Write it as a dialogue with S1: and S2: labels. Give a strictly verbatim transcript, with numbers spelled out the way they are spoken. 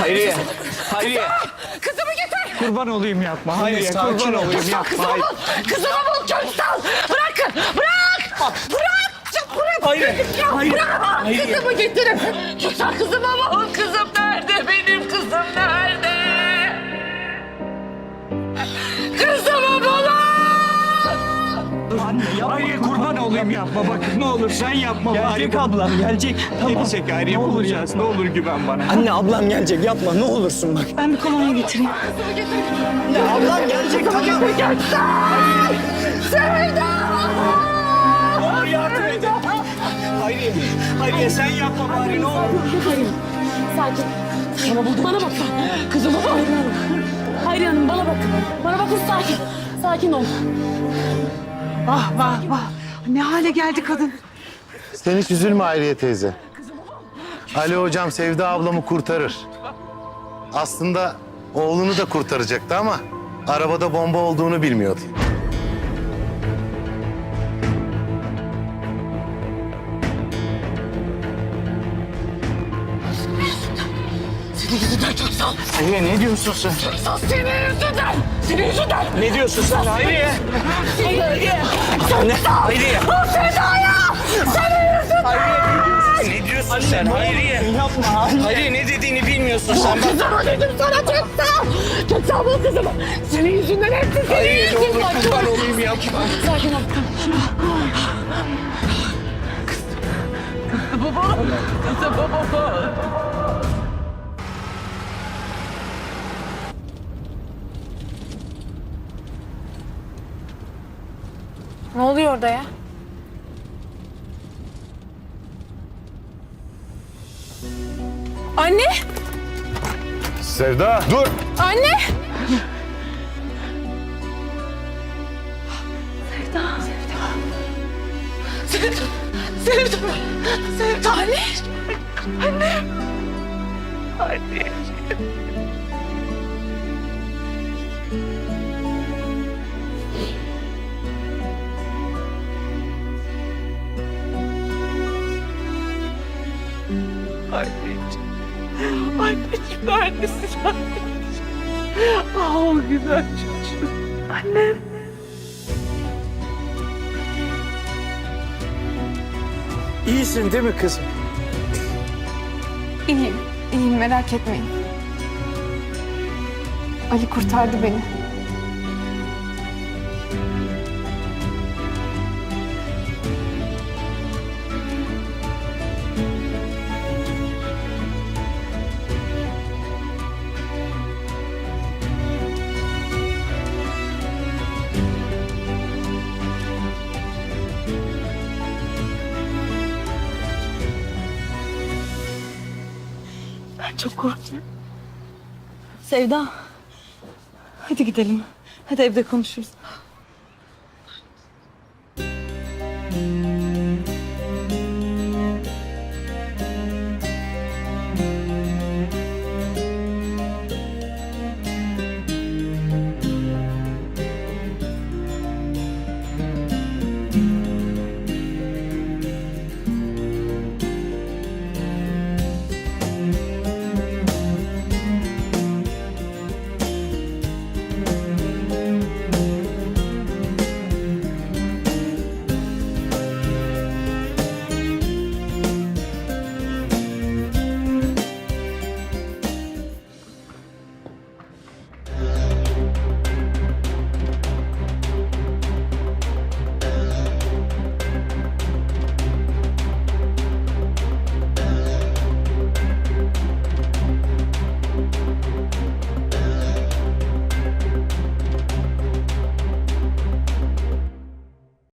S1: Hayriye. Hayriye.
S2: Kızımı getir.
S1: Kurban olayım yapma. Hayriye kurban olayım yapma.
S2: Kızımı bul. Kızımı bul. Köksal. Bırakın. Bırak. Bırak. Bırak.
S1: Hayriye.
S2: Hayriye. Bırak. Kızımı getirin. Köksal kızımı bul. Kızım nerede? Benim kızım nerede? Kızımı bulun.
S1: Hayriye kurban olayım yapma. Bak ne olur sen yapma. Gelecek ablam gelecek. Tamam. Gelecek Hayriye bulacağız. Ne olur güven bana.
S3: Anne ablam gelecek yapma ne olursun bak.
S2: Ben bir kolonya getireyim. Kızımı getirin.
S3: Ya ablam gelecek tamam.
S2: Köksal. Sevda.
S1: Ne olur yardım edin. Hayriye. Hayriye sen yapma bari ne olur.
S4: Sakin. Bana buldu. Bana bak. Kızım baba. Hayriye Hanım. Hayriye Hanım bana bak. Bana bakın sakin. Sakin ol.
S2: Vah vah vah. Ne hale geldi kadın.
S5: Sen hiç üzülme Hayriye teyze. Ali hocam Sevda ablamı kurtarır. Aslında oğlunu da kurtaracaktı ama arabada bomba olduğunu bilmiyordu.
S2: Senin yüzünden Köksal.
S1: Hayriye ne diyorsun sen?
S2: Köksal senin yüzünden. Senin yüzünden.
S1: Ne diyorsun sen Hayriye?
S2: Hayriye.
S1: Ne? Hayriye.
S2: O Sevda'ya. Senin yüzünden.
S1: Hayriye ne diyorsun sen Hayriye? Yapma. Hayriye ne dediğini bilmiyorsun sen. Bak.
S2: Kızımı dedim sana Köksal. Köksal bul kızımı. Senin yüzünden hepsi senin
S1: Hayriye ne olur
S2: yüzünden.
S1: kurban olayım yapma.
S4: Sakin ol.
S2: Baba. Kızım baba.
S4: Ne oluyor orada ya? Anne!
S5: Sevda dur.
S4: Anne!
S2: Sevda. Sevda. Sevda. Anne. Anne. Anne. Anneciğim. Anneciğim neredesin anneciğim? Ah o güzel çocuğum. Annem.
S1: İyisin değil mi kızım?
S4: İyiyim, iyiyim merak etmeyin. Ali kurtardı beni.
S2: Ben çok korktum.
S4: Sevda, hadi gidelim. Hadi evde konuşuruz.